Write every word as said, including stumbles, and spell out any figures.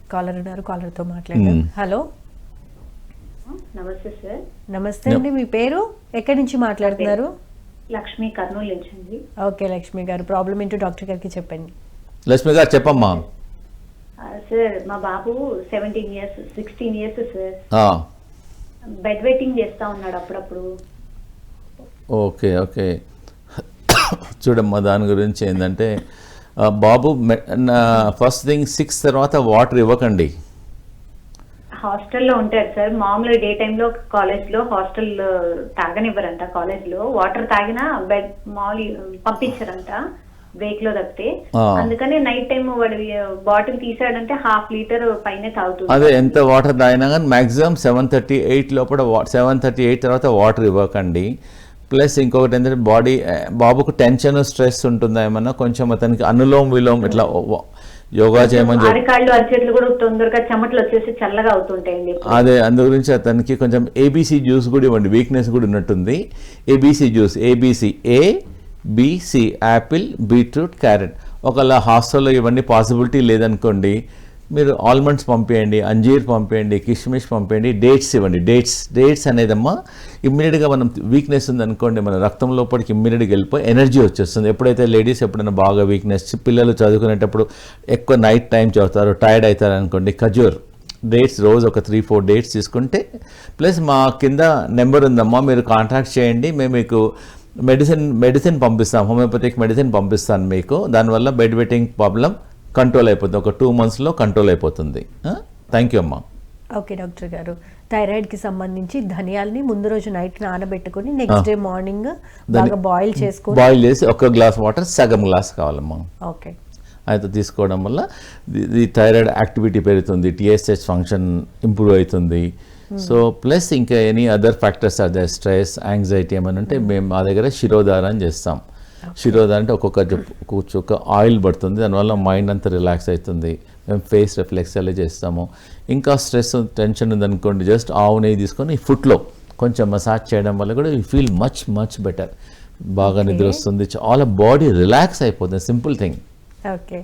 Caller ఉన్నారు, caller తో మాట్లాడదాం. హలో, నమస్తే సార్. నమస్తే అండి, మీ పేరు, ఎక్కడి నుంచి మాట్లాడుతున్నారు? లక్ష్మి, కర్నూలు నుంచి అండి. ఓకే లక్ష్మి గారు, ప్రాబ్లం ఏంటో డాక్టర్ గారికి చెప్పండి. లక్ష్మి గారు చెప్పమ్మా. సార్ మా బాబు seventeen years sixteen years sir. ఆ, బెడ్ వెయిటింగ్ చేస్తా ఉన్నాడు అప్పుడప్పుడు. ఓకే ఓకే చూడమ్మా, దాని గురించి ఏంటంటే ఆ, బాబు ఫస్ట్ థింగ్ సిక్స్ తర్వాత వాటర్ ఇవ్వకండి. హాస్టల్లో ఉంటారు సార్. మామూలుగా డే టైంలో కాలేజ్లో హాస్టల్ తాగనివ్వరంట. కాలేజ్లో వాటర్ తాగినా బెడ్ మామూలు పంపించారంట బ్రేక్ లో తప్పితే. అందుకని నైట్ టైం వాడి బాటిల్ తీసాడంటే హాఫ్ లీటర్ పైన తాగుతుంది. అదే ఎంత వాటర్ తాగినా కానీ మాక్సిమం సెవెన్ థర్టీ ఎయిట్ లోపల సెవెన్ థర్టీ ఎయిట్ తర్వాత వాటర్ ఇవ్వకండి. ప్లస్ ఇంకొకటి ఏంటంటే బాడీ బాబుకు టెన్షన్ స్ట్రెస్ ఉంటుందా ఏమన్నా, కొంచెం అతనికి అనులోమ్ విలోమ్ ఇట్లా యోగా చేయమని చెప్పి అరికాళ్ళు అరిచేట్లు కూడా తొందరగా చెమటలు వచ్చేసి చల్లగా అవుతుంటాయండి. అదే అందు గురించి అతనికి కొంచెం ఏబీసీ జ్యూస్ కూడా ఇవ్వండి, వీక్నెస్ కూడా ఉన్నట్టుంది. ABC juice, ABC A BC, apple, beetroot, carrot. ఒకవేళ హాస్టల్లో ఇవన్నీ పాసిబిలిటీ లేదనుకోండి, మీరు ఆల్మండ్స్ పంపేయండి, అంజీర్ పంపేయండి, కిష్మిష్ పంపేయండి, డేట్స్ ఇవ్వండి. డేట్స్ డేట్స్ అనేదమ్మా ఇమ్మీడియట్గా మనం వీక్నెస్ ఉందనుకోండి, మన రక్తం లోపలికి ఇమ్మీడియట్గా వెళ్ళిపోయి ఎనర్జీ వచ్చేస్తుంది. ఎప్పుడైతే లేడీస్ ఎప్పుడైనా బాగా వీక్నెస్, పిల్లలు చదువుకునేటప్పుడు ఎక్కువ నైట్ టైం చదువుతారు, టైర్డ్ అవుతారు అనుకోండి, ఖజూర్ డేట్స్ రోజు ఒక త్రీ ఫోర్ డేట్స్ తీసుకుంటే, ప్లస్ మా కింద నెంబర్ ఉందమ్మా, మీరు కాంటాక్ట్ చేయండి, మేము మీకు మెడిసిన్ మెడిసిన్ పంపిస్తాం, హోమియోపతిక్ మెడిసిన్ పంపిస్తాను మీకు. దానివల్ల బెడ్ వెయిటింగ్ ప్రాబ్లం కంట్రోల్ అయిపోతుంది, ఒక టూ మంత్స్లో కంట్రోల్ అయిపోతుంది. థ్యాంక్ యూ అమ్మా. ఓకే డాక్టర్ గారు, థైరాయిడ్కి సంబంధించి ధనియాల్ని ముందు రోజు నైట్ నానబెట్టుకుని నెక్స్ట్ డే మార్నింగ్ బాగా బాయిల్ చేసుకొని బాయిల్ చేసి ఒక గ్లాస్ వాటర్ సగం గ్లాస్ కావాలమ్మా. ఓకే, అయితే తీసుకోవడం వల్ల ఈ థైరాయిడ్ యాక్టివిటీ పెరుగుతుంది, టీఎస్హెచ్ ఫంక్షన్ ఇంప్రూవ్ అవుతుంది. సో ప్లస్ ఇంకా ఎనీ అదర్ ఫ్యాక్టర్స్ అదే స్ట్రెస్, యాంగ్జైటీ ఏమైనా ఉంటే మేము మా దగ్గర శిరోధారం చేస్తాం. శిరోధారం అంటే ఒక్కొక్క ఒక్కొక్క ఆయిల్ పడుతుంది, దానివల్ల మైండ్ అంతా రిలాక్స్ అవుతుంది. మేము ఫేస్ రిఫ్లెక్స్ అలా చేస్తాము. ఇంకా స్ట్రెస్ టెన్షన్ ఉందనుకోండి, జస్ట్ ఆవు నెయ్యి తీసుకొని ఫుట్లో కొంచెం మసాజ్ చేయడం వల్ల కూడా you feel much much better. బాగా నిద్ర వస్తుంది, చాలా బాడీ రిలాక్స్ అయిపోతుంది. Simple thing. ఓకే.